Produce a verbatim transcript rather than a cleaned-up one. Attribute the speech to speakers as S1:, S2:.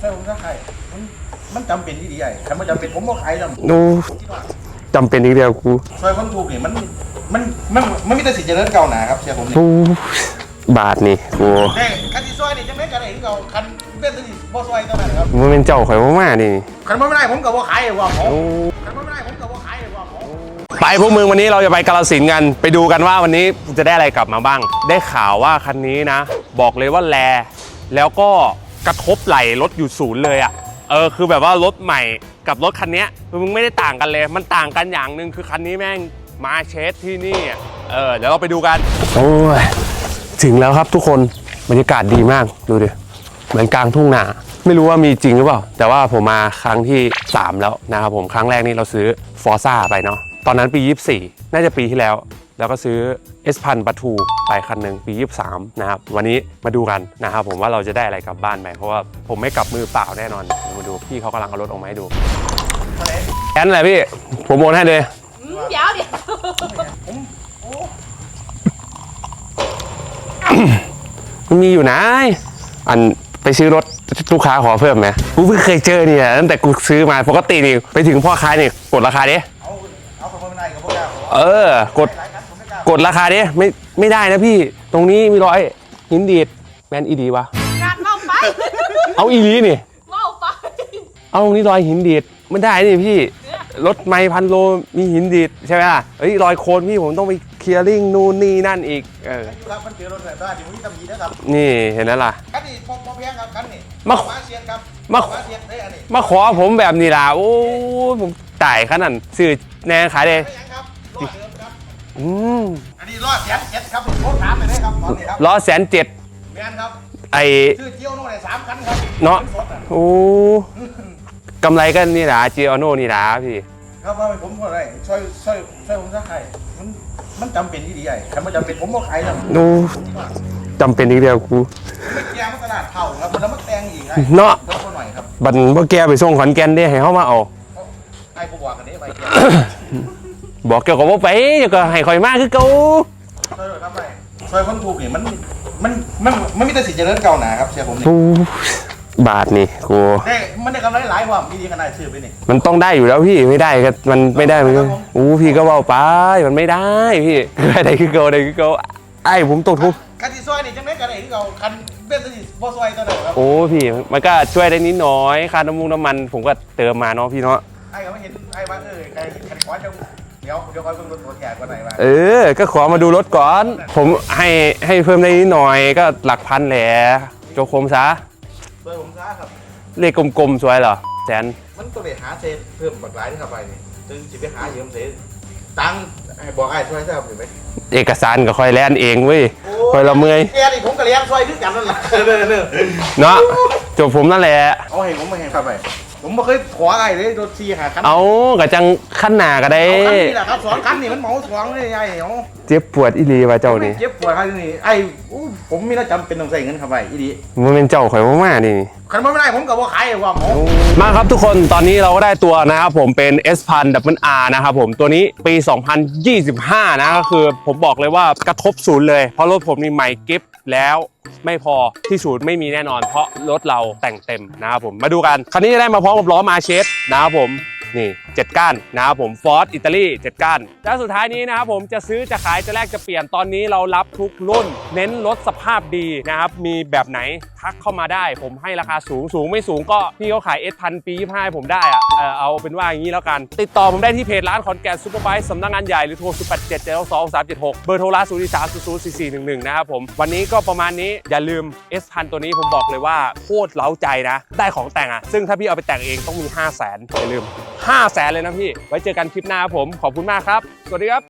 S1: ช่ผมจะขายมันมันจำเป็นที่ดีใหญ่ใครไม่จำเป็นผมบอกขายแล้ว
S2: โอ้จำเป็นอีกเดียวกู
S1: ซอยคนถูกเนี่ยมันมันมันมันมีแต่สิทธิ์เจริญเก่าหนาครับเชียร์ผมนี่
S2: บาทนี่กู
S1: เฮ้ยคันที่ซอยนี่จะไม่กันเองเก่าคันเป็นสิทธิ์บ่ซอยเท่านั้นครับ
S2: มันเป็นเจ้าข่อยมากๆนี่
S1: คันไม่ได้ผมกับว่าขายว่าผมคันไม่ได้ผมกับว่าขายว่าผม
S2: ไปพวกมึงวันนี้เราจะไปกาฬสินธุ์กันไปดูกันว่าวันนี้จะได้อะไรกลับมาบ้างได้ข่าวว่าคันนี้นะบอกเลยว่าแลแล้วก็กระทบไหลรถอยู่ศูนย์เลยอ่ะเออคือแบบว่ารถใหม่กับรถคันนี้มึงไม่ได้ต่างกันเลยมันต่างกันอย่างหนึ่งคือคันนี้แม่งมาเชสที่นี่เออเดี๋ยวเราไปดูกันโอ้ยถึงแล้วครับทุกคนบรรยากาศดีมากดูดิเหมือนกลางทุ่งนาไม่รู้ว่ามีจริงหรือเปล่าแต่ว่าผมมาครั้งที่สามแล้วนะครับผมครั้งแรกนี่เราซื้อฟอร์ซ่าไปเนาะตอนนั้นปียี่สิบสี่น่าจะปีที่แล้วแล้วก็ซื้อ เอส พัน ประทูไปคันหนึ่งปียี่สิบสามนะครับวันนี้มาดูกันนะครับผมว่าเราจะได้อะไรกลับบ้านไปเพราะว่าผมไม่กลับมือเปล่าแน่นอนมาดูพี่เขากำลังเอารถออกมาให้ดูแอนอะไรพี่ผมโอนให้เลย
S3: เดี๋ยวเดี๋ยว
S2: มันมีอยู่นะอันไปซื้อรถลูกค้าขอเพิ่มไหมกูเพิ่งเคยเจอเนี่ยตั้งแต่กูซื้อมาปกตินี่ไปถึงพ่อค้านี่กดราคาดิเออกดกดราคาดิไม่ไม่ได้นะพี่ตรงนี้มีรอยหินดีดแมนอีดีวะ
S3: งานเมาไป
S2: เอาอีลีนี่
S3: เมาไป
S2: เอาตรงนี้รอยหินดีดไม่ได้นี่พี่รถไม่พันโลมีหินดีดใช่ไหมล่ะเฮ้ยรอยโคนพี่ผมต้องไปเคลียร์ริ่งนู่นนี่นั่นอีกเออ
S1: ครับมันเจอรถแบบว่าที่ผมทำดีนะครับ
S2: นี่เห็นแล้วล่ะ
S1: คันนี้พอพอเพียงครับคันนี้
S2: มา
S1: มาเชียร์ครับ
S2: มาเชียร์ได้อันนี้มาขอผมแบบนี้ล่ะโอ้ผมจ่ายขนาดซื้อแน่ขายเลยอืม
S1: อันนี้ล้อแสนเจ็ดครับผมโทษถามไปเลยครับตอนนี้ครับ
S2: ล้อแสนเจ็ด
S1: แมนครับ
S2: ไอ
S1: ชื่อเจียวโน่เนี่ยสามคันครับ
S2: เนาะโอ้กำไรกันนี่นะเจียวโน่นี่นะพี่
S1: ครับว่าผมก็ได้ช่วยช่วยช่วยผมสักใครมันมันจำเป็นที่ดีใหญ่ใครไม่จำเป็นผมบอกขายแล้ว
S2: โอ้จำเป็นอีกเดียวกู
S1: ไม่แก้มาตลาดเท่าครับมันแล้วมันแตงอีก
S2: เนาะ
S1: เพิ่มหน่อยครับ
S2: บันบ่แกไปส่งขอนแก่นได้ให้เขามาเอา
S1: ไอ้พวกว่ากันนี้ไป
S2: บอกเกี่ยวกับว่าไปเดี๋ยวก็ให้คอยมากคือเก่า
S1: ช่วยทำไรช่วยคนถูกเนี่ยมันมันมันมันมีแต่สิทธิ์เจริญเก่าหนาครับเชียร์ผมนี่
S2: บาทนี่กู
S1: ได้มันได้กำไรหลายความดีขนาดชื่อไปนี่
S2: มันต้องได้อยู่แล้วพี่ไม่ได้ก็มันไม่ได้มันก็อู้พี่ก็เบาไปมันไม่ได้พี่อะไรคือเก่าอะไรคือเก่าไอ้ผมตกทุก
S1: คันที่ซอยนี่จังได้กันเองเราคันเป็นสิทธิ์บ่ซอยตัวไหนครับ
S2: โอ้พี่มันก็ช่วยได้นิดน้อยค่าน้ำมูกน้ำมันผมก็เติมมาเนาะพี่เนาะ
S1: ไอ้เขาไม่เห็นไอ้ว่าเออไอ้ขันขอจะเดี๋ยวเดี๋ยวคอยเพิ่มรถตัวแก่กว่าไหนมา
S2: เออก็ขอมาดูรถก่อนผมให้ให้เพิ่มได้นิดหน่อยก็หลักพันแหละโจโคมซะ
S1: เบอร์ผมซะครับ
S2: เลขกลมๆสวยเหรอแสน
S1: มันต้องไปหาเซนเพิ่มบักหลายที่เข้าไปนี่จึงจะไปหาเยืมเซนตังบอกไอ้ช่วยได้ไหม
S2: เอกสารกับคอยแลนเองเว้ยคอยละเมย
S1: แกนี่ผมกับเลี้ยงช่วยด้วยกันนั่นแหละ
S2: เนาะจบผมนั่นแหละ
S1: เอาให้ผมมาให้เข้าไปผมไม่เคยขออะไรเลยโดนซีหาคัน
S2: เอากระจังขั้นหนาก็ได้
S1: คันนี่แหละครับสองคันนี่มันเหมาสองเลยไอ้เหรอ
S2: เจ็บปวดอีลีว่ะเจ้านี่
S1: เจ็บปวดครับนี่ไอ้ผมมีน่าจำเป็นต้องใส่เงินเข้าไปอีลี
S2: มันเป็นเจ้าข่อยมากๆนี่
S1: คันไม่ได้ผมกับว่าขายว่าหมอ
S2: มาครับทุกคนตอนนี้เราก็ได้ตัวนะครับผมเป็น เอส พัน ดับเบิลอาร์ นะครับผมตัวนี้ปีสองพันยี่สิบห้านะก็คือผมบอกเลยว่ากระทบศูนย์เลยเพราะรถผมนี่ใหม่กิฟต์แล้วไม่พอที่ศูนย์ไม่มีแน่นอนเพราะรถเราแต่งเต็มนะครับผมมาดูกันคันนี้จะได้มาพร้อมกับล้อมาเชสนะครับผมนี่เจ็ดก้านนะครับผมฟอร์ดอิตาลีเจ็ดก้านแล้วสุดท้ายนี้นะครับผมจะซื้อจะขายจะแลกจะเปลี่ยนตอนนี้เรารับทุกรุ่นเน้นรถสภาพดีนะครับมีแบบไหนทักเข้ามาได้ผมให้ราคาสูงสูงไม่สูงก็พี่เขาขาย เอส พัน ปียี่สิบห้าผมได้อะเออเอาเป็นว่าอย่างนี้แล้วกันติดต่อผมได้ที่เพจร้านขอนแก่นซุปเปอร์ไบค์สำนักงานใหญ่หรือโทรศูนย์ แปด เจ็ด เจ็ด สอง สาม เจ็ด หกเบอร์โทรร้านศูนย์ สาม ศูนย์ ศูนย์ สี่ สี่ หนึ่ง หนึ่งนะครับผมวันนี้ก็ประมาณนี้อย่าลืม เอส พัน ตัวนี้ผมบอกเลยว่าโคตรเล้าใจนะได้ของแต่งอ่ะซึ่งถ้าพี่เอาไปแต่งเองต้องมี ห้าแสนอย่าลืมห้าแสนเลยนะพี่ไว้เจอกันคลิปหน้าครับผมขอบคุณมากครับสวัสดีครับ